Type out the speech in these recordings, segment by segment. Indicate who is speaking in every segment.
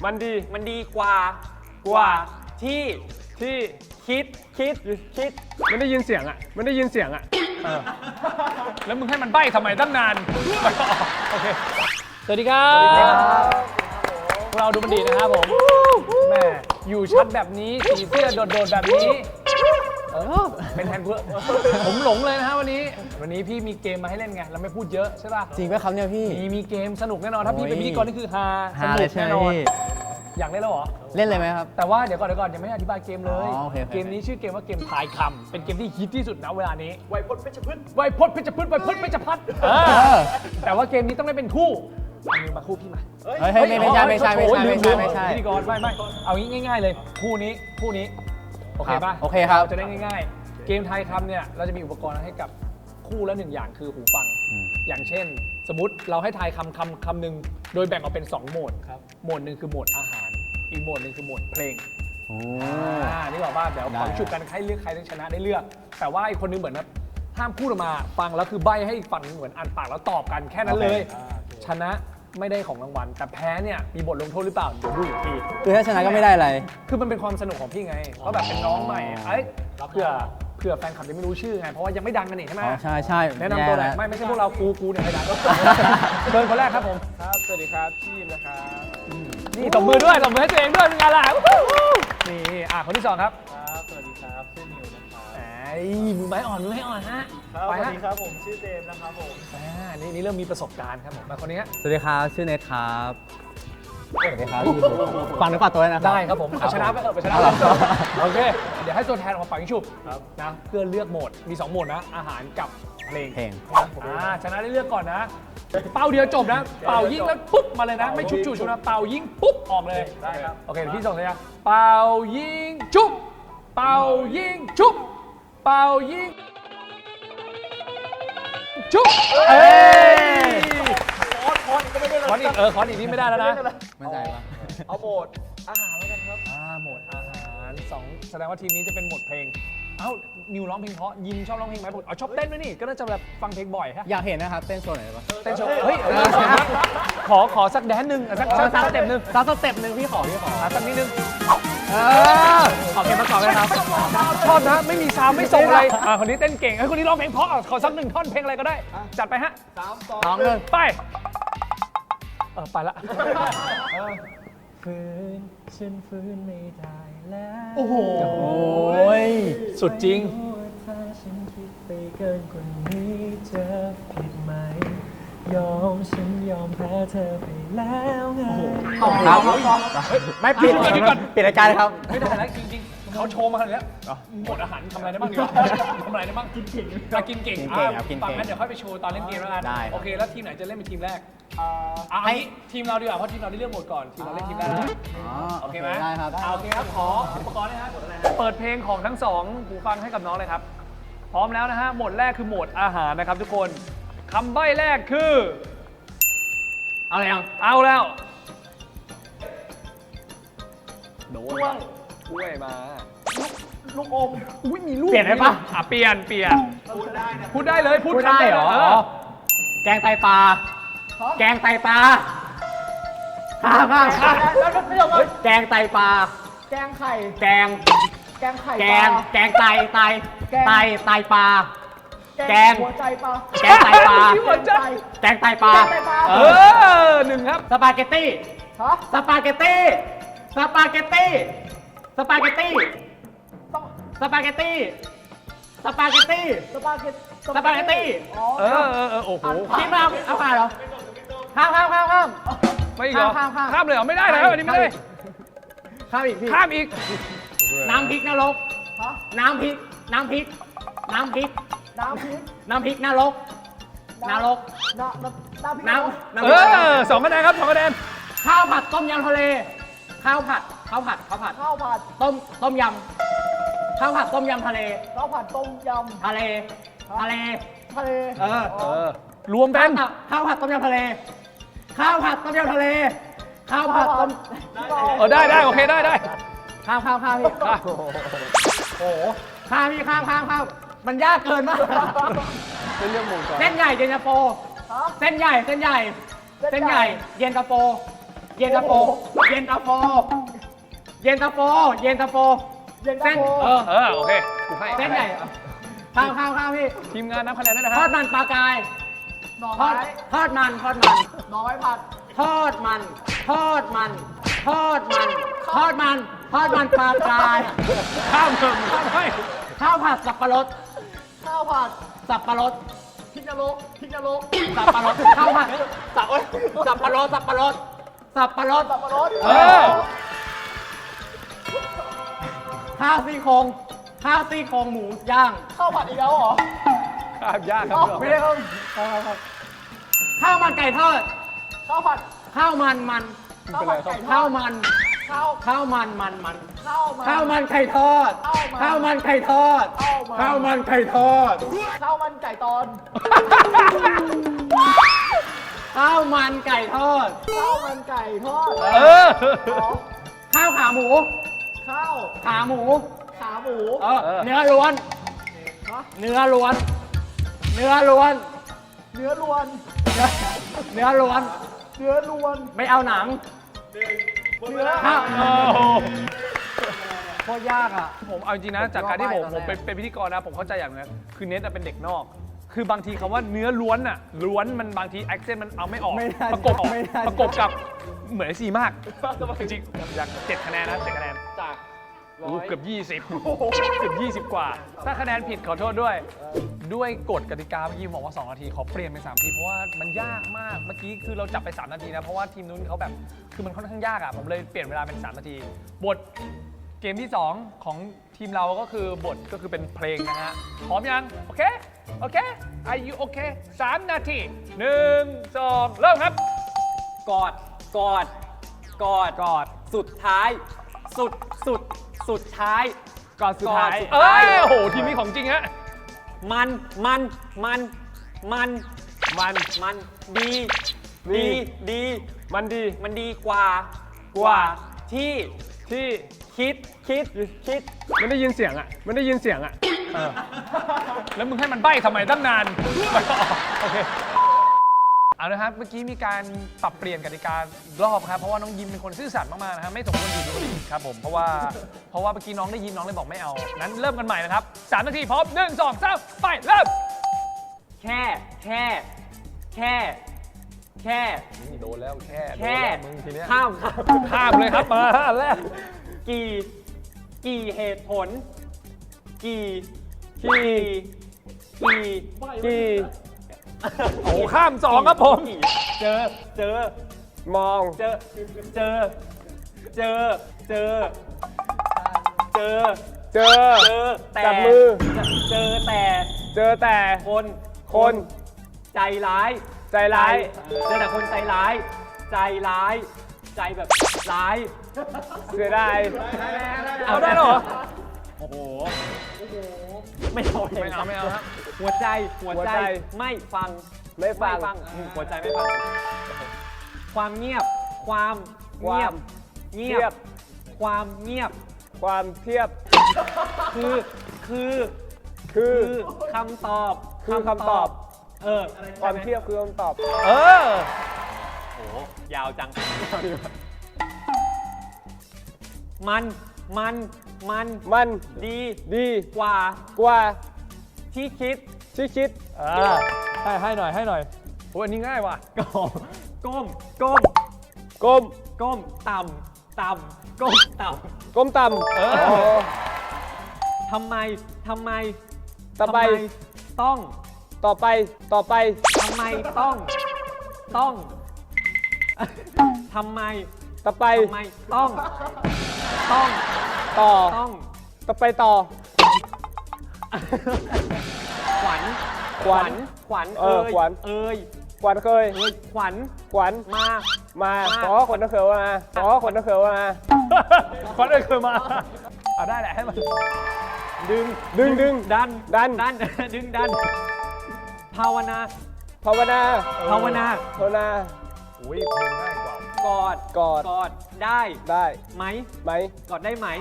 Speaker 1: มันดีกว่าที่คิด
Speaker 2: มันได้ยินเสียงอ่ะแล้วมึงให้มันใบ้ทำไมตั้งนานโอเคสวัสดีครับพวกเราดูมันดีนะครับผมแม่อยู่ชัดแบบนี้สีเสื้อโดดๆแบบนี้เป็นแทนกูผมหลงเลยนะฮะวันนี้พี่มีเกมมาให้เล่นไงเราไม่พูดเยอะใช่ป่ะ
Speaker 3: จริงไหมครับเนี่ยพี่
Speaker 2: มีเกมสนุกแน่นอนถ้าพี่เป็นพิธีกรนี่คือฮาสนุกแน่นอนอยากเล่นแล้วเหรอ
Speaker 3: เล่นเลยไหมครับ
Speaker 2: แต่ว่าเดี๋ยวก่อนยังไม่ได้อธิบายเกมเลย
Speaker 3: โอเค
Speaker 2: เกมนี้ชื่อเกมว่าเกมทายคำเป็นเกมที่ฮิตที่สุดนะเวลานี้
Speaker 1: ไวพจน์เพชรพืช
Speaker 2: แต่ว่าเกมนี้ต้องได้เป็นคู่มือมาคู่พี่มา
Speaker 3: เฮ้ยไม่ใช่
Speaker 2: พิธีกรไม่เอางี้ง่ายๆเลยคู่นี้โอเคป่ะ
Speaker 3: โอเคครับ
Speaker 2: จะได้ง่ายๆเกมทายคำเนี่ยเราจะมีอุปกรณ์ให้กับคู่ละ1อย่างคือหูฟังอย่างเช่นสมมติเราให้ทายคำหนึ่งโดยแบ่งออกเป็น2โหมดโหมดหนึ่งคือโหมดอาหารอีกโหมดหนึ่งคือโหมดเพลงนี่บอกว่าเดี๋ยวฝังฉุบกันใครเลือกใครชนะได้เลือกแต่ว่าอีกคนนึงเหมือนห้ามพูดออกมาฟังแล้วคือใบให้ฝั่งเหมือนอ่านปากแล้วตอบกันแค่นั้นเลยชนะไม่ได้ของรางวัลแต่แพ้เนี่ยมีบทลงโทษหรือเปล่าเดี๋ยวดูอีกที
Speaker 3: คือถ้าชนะก็ไม่ได้อะไร
Speaker 2: คือมันเป็นความสนุกของพี่ไงเพราะแบบเป็นน้องใหม่เผื่อแฟนคลับยังไม่รู้ชื่อไงเพราะว่ายังไม่ดังกันนี่ใช่ไหม
Speaker 3: ใช่
Speaker 2: แนะนำตัวหน่อยไม่ใช่พวกเรากูเนี่ยไม่ดังเชิญคนแรกครับผม
Speaker 1: ครับสวัสดีครับทีมนะครับ
Speaker 2: นี่ตบมือให้ตัวเองด้วยเป็นไงล่ะนี่คนที่2ครับ
Speaker 1: ครับสวัสดีครับชื่อนิวนะครับ
Speaker 2: มือไม้อ่อนฮะ
Speaker 1: สวัสดีครับผมชื่อเจมส์นะครับผม
Speaker 2: นี่เริ่มมีประสบการณ์ครับผมมาคนนี้
Speaker 3: สวัสดีครับชื่อเนทครับสวัสดีครับฟังนึกฝากตัวนะครับ
Speaker 2: ได้ครับผมชนะไปชนะโอเคเดี๋ยวให้ตัวแทนออกมาฝังชุบนะเพื่อเลือกโหมดมี2โหมดนะอาหารกับเพลงชนะได้เลือกก่อนนะเป่าเดียวจบนะเป่ายิงแล้วปุ๊บมาเลยนะไม่ชุบจู่นะเป่ายิงปุ๊บออกเลย
Speaker 1: ได้ครับ
Speaker 2: โอเคพี่ส่งเลยนะเป่ายิงชุบเป่ายิงชุบเป่ายิงชุบคอนอีกนี่ไม่ได้แล้วนะ
Speaker 3: ไม่ได้ปะ
Speaker 1: เอาโหมดอาหารแล้วกันครับ
Speaker 2: โหมดอาหาร2แสดงว่าทีมนี้จะเป็นโหมดเพลงนิวร้องเพลงเพราะยิมชอบร้องเพลงไหมชอบเต้นด้วยนี่ก็น่าจะแบบฟังเพลงบ่อยฮะ
Speaker 3: อยากเห็นนะครับเต้นโชว์หน่อยได้ปะ
Speaker 2: เต้นโชว์เฮ้ยขอสักแดนหนึ่งสักสเต็ปหนึ่ง
Speaker 3: พี่ขอ
Speaker 2: สักนิดนึง
Speaker 3: ขอเพลงประกอบเลยครับ
Speaker 2: ชอบนะไม่มีซาวไม่ส่งอะไรคนนี้เต้นเก่งคนนี้ร้องเพลงเพราะขอสัก1ท่อนเพลงอะไรก็ได้จัดไปฮะ
Speaker 1: 3 2
Speaker 3: 1
Speaker 2: ไปไปละฝืนฉันฝืนไม่ได้แล้ว
Speaker 3: โอ้โห
Speaker 2: สุดจริง
Speaker 4: ถ้าฉันคิดไปเกินกว่านี้จะผิดไหมฉันยอมแพ้เธอไปแล้วไง
Speaker 3: ครับไม่ปิดรายการเลยครับ
Speaker 2: ไม่ได้แล้วจริงๆเขาโชว์มาขนาดนี้หมดอาหารทำอะไรได้บ้างดีกว่าทำอะไรได้บ้างกินเก่งฟังงั้นเดี๋ยวค่อยไปโชว์ตอนเล่นเกมแล้วกันโอเคแล้วทีมไหนจะเล่นเป็นทีมแรกให้ทีมเราดีกว่าเพราะทีมเราได้เลือกหมดก่อนทีมเราเล่นทีมแรกโอเคไหม
Speaker 3: ได้ครับ
Speaker 2: โอเคครับขออุปกรณ์นะครับเปิดเพลงของทั้ง2หูฟังให้กับน้องเลยครับพร้อมแล้วนะฮะโหมดแรกคือโหมดอาหารนะครับทุกคนคำใบ้แรกคือเอาแล้วโดนช่วยมา
Speaker 1: ลูกอม
Speaker 2: มีลูก
Speaker 3: เปลี่ยนได้ปะ
Speaker 2: เปลี่ยนพูดได้เลยพูด
Speaker 3: ได้เหรอแกงไตปลาข้ามแกงไตปลา
Speaker 1: แกงไข่
Speaker 3: แกงไตปลาแกง
Speaker 1: หัวใจปลา
Speaker 3: แกงไตปลา
Speaker 2: 1ครับ
Speaker 3: สปาเกตตี้
Speaker 2: โอ้โห
Speaker 3: คิดมาเอาผ่านเหรอข้าม
Speaker 2: ไม่อีกเหรอข้ามเลยเหรอไม่ได้แล้วอันนี้ไม่ได้
Speaker 3: ข้ามอีกพี่น้ำพริกนรกน้ำพริกนรก
Speaker 2: 2 คะแนนครับ2 คะแนน
Speaker 3: ข้าวผัดต้มยำทะเลข้าวผัดต้มยำข้าวผัดต้มยำทะเลทะเล
Speaker 2: รวมเป็น
Speaker 3: ข้าวผัดต้มยำทะเล
Speaker 2: ได้โอเคได้
Speaker 3: ข้ามพี่โอ้โหข้ามมันยากเกินมาก
Speaker 2: เป็นเรื่องหมู่ก่อน
Speaker 3: เส้นใหญ่เย็นตาโฟเส้นใหญ่เย็นตาโฟย็นตาโฟ เย็นตาโฟ เย็นตาโฟ เย็นตาโฟ
Speaker 1: เย็นตา
Speaker 3: เส้น
Speaker 1: โฟ
Speaker 2: โอเคกูให้
Speaker 3: เส้นใหญ่ข้าวพี่
Speaker 2: ทีมงานนับคะแนนด้วยนะ
Speaker 3: ทอ
Speaker 2: ฮะ
Speaker 3: ดมันปลากาย
Speaker 1: หน่อ
Speaker 3: ทอ
Speaker 1: ไม้
Speaker 3: ดทอดมัน
Speaker 1: หน่อไม้ผัด
Speaker 3: ทอดมัน ทอดมัน ทอดมัน ทอดมัน ทอดมันปลากาย
Speaker 2: ข้ามเถอะข้ามให้
Speaker 3: ข้าวผัดสับปะรด
Speaker 1: ข้าวผัด
Speaker 3: สับปะรด
Speaker 1: พริกนรกพริกนรก
Speaker 3: สับปะรด ข้าวผัดสับปะรด สับปะรด สับปะรด
Speaker 1: สับปะรด
Speaker 2: เออ
Speaker 3: ข้าวซี่โครงข้าวซี่โครงหมูย่าง
Speaker 1: ข้าวผัดอีกแล้วเหรอ
Speaker 2: ข้ามยากครับ
Speaker 1: ไม่ได้ครับ
Speaker 3: ข้าวมันไก่ทอด
Speaker 1: ข้าวผัด
Speaker 3: ข้าวมัน
Speaker 1: ข้าวผัดไก่ท
Speaker 3: ข้า
Speaker 1: อ
Speaker 3: ว
Speaker 1: ด
Speaker 3: มัน
Speaker 1: ข้าว
Speaker 3: ข้าวมัน
Speaker 1: ข้าวมัน
Speaker 3: ข้าวมันไก่ทอด ข้าวมันไก่ทอด ข้าวมันไก่ทอด
Speaker 1: ข้าวมันไก่ตอน
Speaker 3: ข้าวมันไก่ทอด
Speaker 1: ข้าวมันไก่ทอด
Speaker 2: เออ
Speaker 3: ข้าวขาหมู
Speaker 1: ข้าว
Speaker 3: ขาหมู
Speaker 1: ขาหมู
Speaker 3: เนื้อล้วน เนื้อล้วน เนื้อล้วน
Speaker 1: เนื้อล้วน
Speaker 3: เนื้อล้วน
Speaker 1: เนื้อล้วน
Speaker 3: ไม่เอาหนัง
Speaker 1: เนื้อ
Speaker 3: ข้าว
Speaker 2: โอ้โห
Speaker 3: โคตรยากอ่ะ
Speaker 2: ผมเอาจริงนะจากการที่ผมเป็นพิธีกรนะผมเข้าใจอย่างนึงคือเน็ตเป็นเด็กนอก คือบางทีคำว่าเนื้อล้วนอะล้วนมันบางทีแอคเซนต์มันเอาไม่ออก
Speaker 3: ไม่ได้
Speaker 2: ประกบ
Speaker 3: ไม่ได้
Speaker 2: ประกบกับเหมือนไอซีมากจริงๆอยาก7 คะแนนนะ7 คะแนน
Speaker 1: จาก
Speaker 2: เกือบ20เกือบ20 กว่า ถ้าคะแนนผิดขอโทษด้วย ด้วยกฎกติกาเมื่อกี้บอกว่า2 นาทีขอเปลี่ยนเป็น3 นาทีเพราะว่ามันยากมากเมื่อกี้คือเราจับไป3 นาทีนะเพราะว่าทีมนู้นเขาแบบคือมันค่อนข้างยากอะผมเลยเปลี่ยนเวลาเป็น3 นาทีบทเกมที่ 2 ของทีมเราก็คือบทก็คือเป็นเพลงนะฮะพร้อมยังโอเคโอเค Are you okay 3 นาที1 2เริ่มครับ
Speaker 3: กอด กอด กอด กอด สุดท้าย สุดท้าย
Speaker 2: ก่อนสุดท้าย
Speaker 3: ก่อนสุด
Speaker 2: เอ้
Speaker 3: ท้าย
Speaker 2: ยโอ้โหทีมนี้ของจริงฮะ
Speaker 3: มัน ดี
Speaker 2: มันดี
Speaker 3: มันดีกว่า ที่
Speaker 2: ที่
Speaker 3: คิด
Speaker 2: มันได้ยินเสียงอ่ะ มันได้ยินเสียงอ่ะแล้วมึงให้มันใบ้ทำไมตั้งนาน โอเค เอาละครับ เมื่อกี้มีการปรับเปลี่ยนกติการรอบครับ เพราะว่าน้องยิมเป็นคนซื่อสัตย์มากๆนะครับไม่สมควรอยู่ตรงนี้ครับผม เพราะว่าเมื่อกี้น้องได้ยินน้องเลยบอกไม่เอา นั้นเริ่มกันใหม่นะครับ3 นาทีพร้อม1 2 3ไปเริ่ม
Speaker 3: แค่
Speaker 2: นี่โดนแล้วแค่
Speaker 3: แค่
Speaker 2: มึงทีเนี้ย
Speaker 3: ข้าม
Speaker 2: ข้ามเลยครับมาอันแรก
Speaker 3: กี่เหตุผล กี่
Speaker 2: โอ้ข้าม2ครับผม
Speaker 3: เจอ
Speaker 2: มอง
Speaker 3: แต่
Speaker 2: เจอ จับมือ
Speaker 3: เจอแต่
Speaker 2: เจอแต่ คน
Speaker 3: ใจร้าย
Speaker 2: ใจร้าย
Speaker 3: เจอแต่คนใจร้าย ใจแบบร้าย
Speaker 2: เสียดายเอาได้เหรอ
Speaker 3: โอ้โห ไม่เอา
Speaker 2: ไม่เอาครับ
Speaker 3: หัวใจ
Speaker 2: หัวใจ
Speaker 3: ไม่ฟัง
Speaker 2: ไม่ฟัง
Speaker 3: หัวใจไม่ฟัง ความเงียบ ความเงียบ ความเงียบ
Speaker 2: ความเทียบ
Speaker 3: คือคำตอบ
Speaker 2: คือคำตอบ ความเทียบคือคำตอบ โ
Speaker 3: โอ้ยาวจัง มันดี กว่า ที่คิด
Speaker 2: ให้หน่อยโอ้อันนี้ง่ายว่ะ
Speaker 3: ก้ม
Speaker 2: ก้ม
Speaker 3: ต่ำก้มต่ำ
Speaker 2: ก้มต่ำ
Speaker 3: ทำไม
Speaker 2: ต่อไป
Speaker 3: ต้อง
Speaker 2: ต่อไป
Speaker 3: ทำไมต้องทำไม
Speaker 2: ต่อไป
Speaker 3: ต้อง
Speaker 2: ต่อ
Speaker 3: ต้อง
Speaker 2: ต่อไปต่อ
Speaker 3: ขวัญ
Speaker 2: ขวัญ ขวัญเคย
Speaker 3: ขวัญ
Speaker 2: มา ขอคนนักเขียวมา ขวัญเคยมาเอาได้แหละให้มัน ดึง
Speaker 3: ดัน ดึงดัน ภาวนา
Speaker 2: อุ้ยเพลงง่ายกว่าก
Speaker 3: อด ได้ ไหม กอดได้ไหม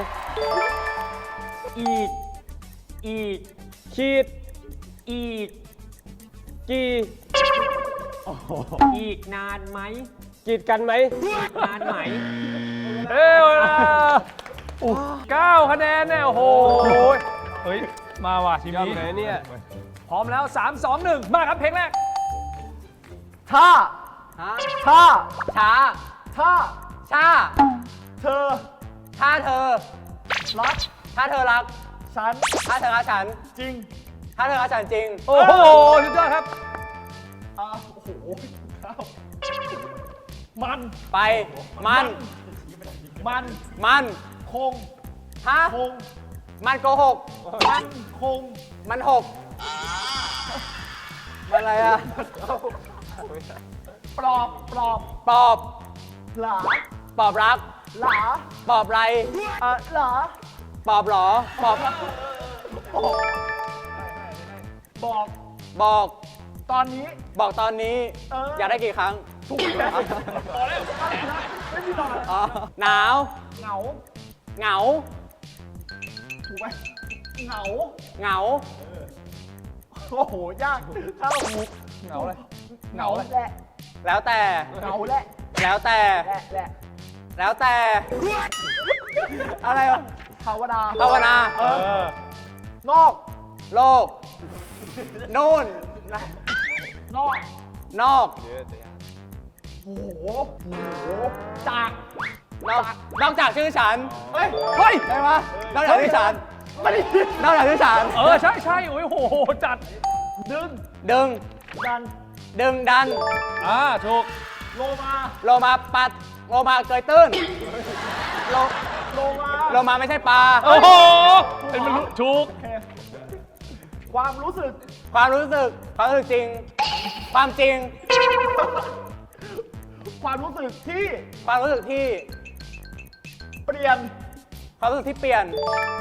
Speaker 3: อีก
Speaker 2: ขีด
Speaker 3: อีก
Speaker 2: กี่
Speaker 3: อีกนานไหมกีดกันไหมงานไหม
Speaker 2: เอ้ยเวลา9 คะแนนเนี่ย โอ้โห เฮ้ย มาว่ะทีมนี้
Speaker 3: ไหนเนี่ย
Speaker 2: พร้อมแล้ว 3 2 1 มาครับเพลงแรก
Speaker 1: ท่า ท่า
Speaker 3: ช้า
Speaker 1: ท่า
Speaker 3: ชา
Speaker 1: เธอ
Speaker 3: ถ้าเธอ
Speaker 1: รัก
Speaker 3: ถ้าเธอรัก
Speaker 1: ฉัน
Speaker 3: ถ้าเธอรักฉัน
Speaker 1: จริง
Speaker 3: ถ้าเธอรักฉันจริง
Speaker 2: โอ้โห สุดยอดครับ
Speaker 1: โอ้โหข้าวมัน
Speaker 3: ไป มัน
Speaker 1: มัน
Speaker 3: มัน
Speaker 1: คง
Speaker 3: ฮะ
Speaker 1: คง
Speaker 3: มันโกหก
Speaker 1: มันคง
Speaker 3: มันหก มันอะไรอะ
Speaker 1: ปลอบ ปลอบ
Speaker 3: ปอบ
Speaker 1: หลา
Speaker 3: ปอบรัก
Speaker 1: หลา
Speaker 3: ปอบไร
Speaker 1: หลา
Speaker 3: ปอบหรอ ปอบ
Speaker 1: บอก
Speaker 3: บอก
Speaker 1: ตอนนี้
Speaker 3: บอกตอนนี้ อยากได้กี่ครั้ง
Speaker 1: ถูกแล้วพอแล้วไม่มีหลอด
Speaker 3: อ๋อ หนาว
Speaker 1: เหงา
Speaker 3: เหงา
Speaker 1: ถูกไหมเหงา
Speaker 3: เหงา
Speaker 1: โอ้โห ยากถ้าเราถูก
Speaker 2: เหงาเลย
Speaker 1: เหงาแหละ
Speaker 3: แล้วแต่
Speaker 1: เหงาแหละ
Speaker 3: แล้วแต่
Speaker 1: แหละ
Speaker 3: แล้วแต่ อะไรวะ
Speaker 1: ภาวนา
Speaker 3: ภาวนา
Speaker 1: นอก
Speaker 3: โลก นู่น
Speaker 1: นอก
Speaker 3: นอก
Speaker 1: โอ้โหจาก
Speaker 3: นอกจากชื่อฉัน
Speaker 1: เฮ้ย
Speaker 2: เฮ้ย
Speaker 3: ได้ปะนอกจากชื่อฉัน
Speaker 1: ไม่ได้
Speaker 3: นอกจากชื่อฉัน
Speaker 2: ใช่ใช่โอ้ยโห จัด
Speaker 1: ดึง
Speaker 3: ดึง
Speaker 1: ดัน
Speaker 3: ดึงดัน
Speaker 2: ถูก
Speaker 1: โลมา
Speaker 3: โลมาปัด โลมาเกยตื้น โล
Speaker 1: โลมา
Speaker 3: โลมาไม่ใช่ปลา
Speaker 2: โอ้โห เป็นมันรู้ถูก
Speaker 1: โอเคความรู้สึก
Speaker 3: ความรู้สึก ความรู้สึกจริง ความจริง
Speaker 1: ความรู้สึกที่
Speaker 3: ความรู้สึกที่
Speaker 1: เปลี่ยน
Speaker 3: ความรู้สึกที่เปลี่ยน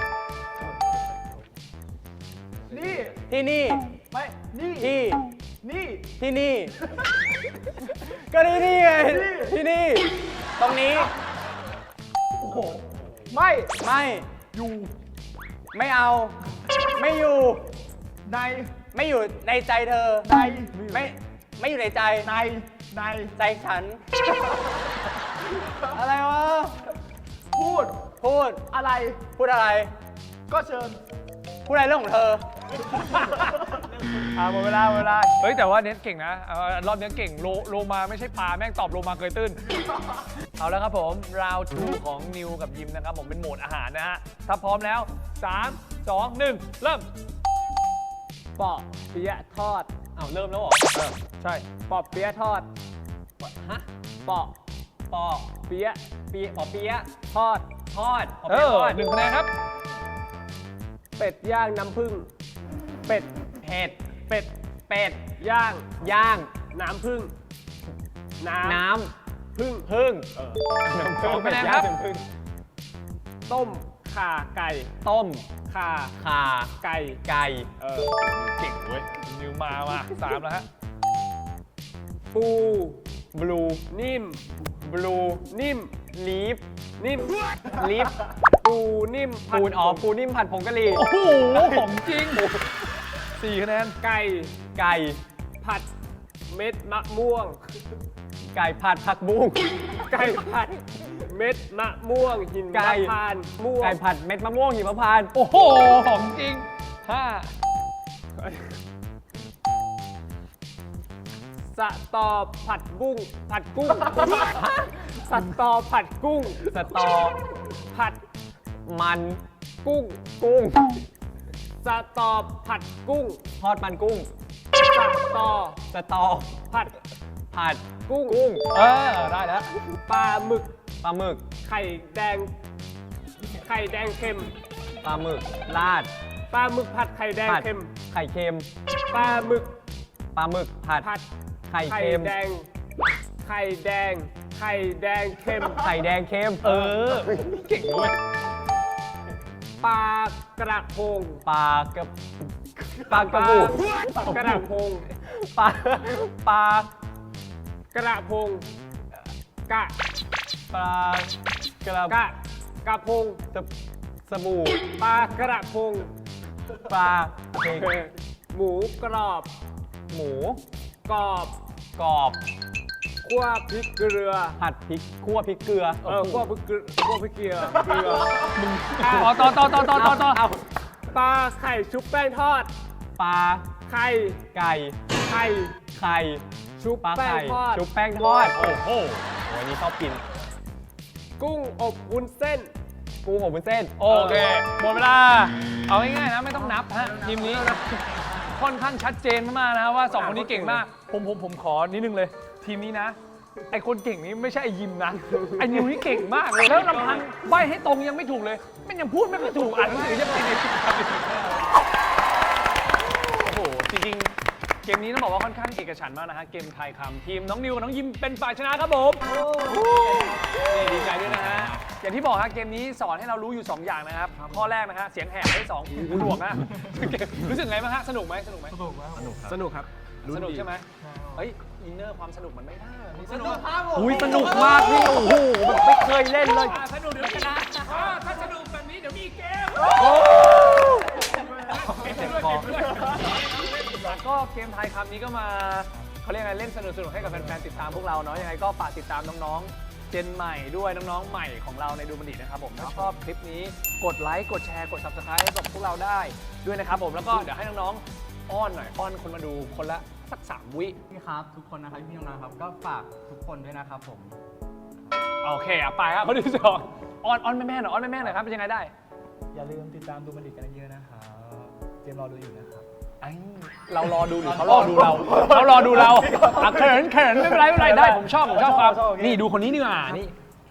Speaker 1: นี่
Speaker 3: ที่นี่
Speaker 1: ไม่ นี่
Speaker 3: ที่
Speaker 1: นี่
Speaker 3: ที่นี่ ก็นี่นี่ไง ที่นี่ ตรงนี้
Speaker 1: โอ้โห ไม่
Speaker 3: ไม่
Speaker 1: อยู่
Speaker 3: ไม่เอา ไม่อยู่
Speaker 1: ใน
Speaker 3: ไม่อยู่ในใจเธอ
Speaker 1: ใน
Speaker 3: ไม่อยู่ในใจ
Speaker 1: ใน ใน
Speaker 3: ใจฉัน อะไรวะ
Speaker 1: พูด
Speaker 3: พูด
Speaker 1: อะไร
Speaker 3: พูดอะไร
Speaker 1: ก็เชิญ
Speaker 3: พูดอะไรเรื่องของเธอ
Speaker 2: หมดเวลาเฮ้ยแต่ว่าเน็ตเก่งนะรอบนี้เก่งโลมาไม่ใช่ปลาแม่งตอบโลมาเกยตื้น เอาแล้วครับผม round 2 ของนิวกับยิมนะครับผมเป็นโหมดอาหารนะฮะ ถ้าพร้อมแล้ว 3 2 1 เริ่ม
Speaker 3: ปอเปี๊ยะทอด
Speaker 2: เริ่มแล้วเหรอใช่
Speaker 3: ปอเปี๊ยะทอด ฮะ ปอเปี๊ยะปอเปี๊ยะทอด ปอเปี๊ยะทอด
Speaker 2: 1 คะแนนครับ
Speaker 3: เป็ดย่างน้ำผึ้ง เป็ดเป็ดย่าง น้ำผึ้ง น้ำผึ้ง
Speaker 2: 2 คะแนนครับ
Speaker 3: ต้มข่าไก่
Speaker 2: ต้ม
Speaker 3: ข่าไก่
Speaker 2: เก่งเว้ยนิวมา3แล้วฮะ
Speaker 3: ปูบลูนิ่มบลูนิ่มลีฟนิ่มลีฟปูนิ่มปูนิ่มผัดผงกะหรี่
Speaker 2: โอ้โห ของจริง 4 คะแนน
Speaker 3: ไก่ผัดเม็ดมะม่วง ไก่ผัดผักบุ้งไก่ผัดเม็ดมะม่วงหิมพานต์ม่วงไก่ผัดเม็ดมะม่วงหิมพานต์
Speaker 2: โอ้โห ของจริง 5
Speaker 3: สตอผัดกุ้งสตอผัดกุ้งสตอผัดมันกุ้งสตอผัดกุ้งทอดมันกุ้งสตอผัดกุ้ง
Speaker 2: ได้แล้ว
Speaker 3: ปลาหมึกไข่แดงเค็มปลาหมึกราดปลาหมึกผัดไข่แดงเค็มไข่เค็มปลาหมึกผัดไข่เค็มไข่แดงเค็ม
Speaker 2: เก่งด้วย
Speaker 3: ปลากระพงปลากระพงปลากระพงกระพงสบู่ปลากระพงหมูกรอบคั่วพริกเกลือ
Speaker 4: ผัดพริกคั่วพริกเกลือ
Speaker 3: คั่วพริกเกลือคั่วพริกเกลือเกลือ
Speaker 2: ต่อ
Speaker 3: ปลาไข่ชุบแป้งทอด
Speaker 4: ปลา
Speaker 3: ไข่
Speaker 4: ไก่
Speaker 3: ไข่
Speaker 4: ไข่
Speaker 3: ชุบ
Speaker 4: ปลา
Speaker 3: แป้ง
Speaker 4: ไข่
Speaker 3: ทอด
Speaker 4: ชุบแป้งทอด โอ้โหวันนี้ชอบกิน
Speaker 3: กุ้งอบวุ้นเส้น
Speaker 4: กุ้งอบวุ้นเส้น
Speaker 2: โอเคหมดเวลาเอาง่ายๆนะไม่ต้องนับฮะทีมนี้ค่อนข้างชัดเจนมากๆนะว่า2คนนี้เก่งมากผมขอนิดนึงเลย ทีมนี้นะไอคนเก่งนี้ไม่ใช่ไอยิมนะไอนิวนี่เก่งมากเลยแล้วลำพังใบให้ตรงยังไม่ถูกเลยมันยังพูดไม่ถูกอ่านหนังสือยังเป็นโอ้โหจริงๆเกมนี้ต้องบอกว่าค่อนข้างเอกฉันท์มากนะฮะเกมทายคำทีมน้องนิวกับน้องยิมเป็นฝ่ายชนะครับผมนี่ดีใจด้วยนะฮะอย่างที่บอกฮะเกมนี้สอนให้เรารู้อยู่ 2 อย่างนะครับข้อแรกนะฮะเสียงแหบให้2หูหนวกนะรู้สึกไงบ้างฮะสนุกไหมสนุกครับ
Speaker 3: สนุกครับ
Speaker 2: สนุกใช่ไหมเฮ้ยอินเนอร์ความสนุกมันไม่ได้แบบนี้
Speaker 1: สนุกครับผม
Speaker 4: อุ้ยสนุกมากพี่โอ้โหแบบไม่เคยเล่นเลย
Speaker 2: สนุกเดี๋ยวชนะถ้าสนุกแบบนี้เดี๋ยวมีเกมเจ็บคอก็เกมทายคำนี้ก็มาเขาเรียกไงเล่นสนุกๆให้กับแฟนๆติดตามพวกเราเนาะยังไงก็ฝากติดตามน้องๆเจนใหม่ด้วยน้องๆใหม่ของเราในดูบันดีนะครับผมถ้าชอบคลิปนี้กดไลค์กดแชร์กด Subscribe ให้กับพวกเราได้ด้วยนะครับผมแล้วก็เดี๋ยวให้น้องๆอ้อนหน่อยอ้อนคนมาดูคนละสัก3 วิ
Speaker 1: พี่ครับทุกคนนะครับพี่น้องๆครับก็ฝากทุกคนด้วยนะครับผม
Speaker 2: โอเคไปครับคนที่สองอ้อนแม่ๆหน่อยอ้อนแม่ๆหน่อยครับเป็นยังไงได้
Speaker 4: อย่าลืมติดตามดูบันดิตกันเยอะนะครับเจมรอดูอยู่นะครับ
Speaker 2: เรารอดูหรือเขารอดูเราเขารอดูเราเขินไม่เป็นไรได้ผมชอบความนี่ดูคนนี้ดีกว่านี่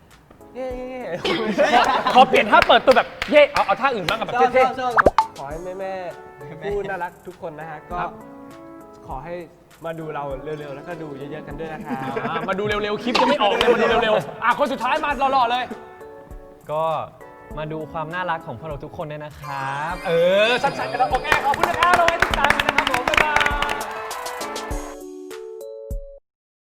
Speaker 2: ขอเปลี่ยนท่าเปิดตัวแบบเย่เอาท่าอื่นบ้างกับแบบเท่
Speaker 3: ขอให้แม่ๆผู้น่ารักทุกคนนะฮะก็ขอให้มาดูเราเร็วๆแล้วก็ดูเยอะๆกันด้วยนะครับ
Speaker 2: มาดูเร็วๆคลิปจะไม่ออกเลยมาดูเร็วๆคนสุดท้ายมาหล่อๆเลย
Speaker 4: ก็มาดูความน่ารักของพวกเราทุกคนด้วยนะครับ
Speaker 2: สั้นๆกันแล้วโอเคขอบคุณนะครับเราไว้ติดตามกันนะครับผมบ๊ายบาย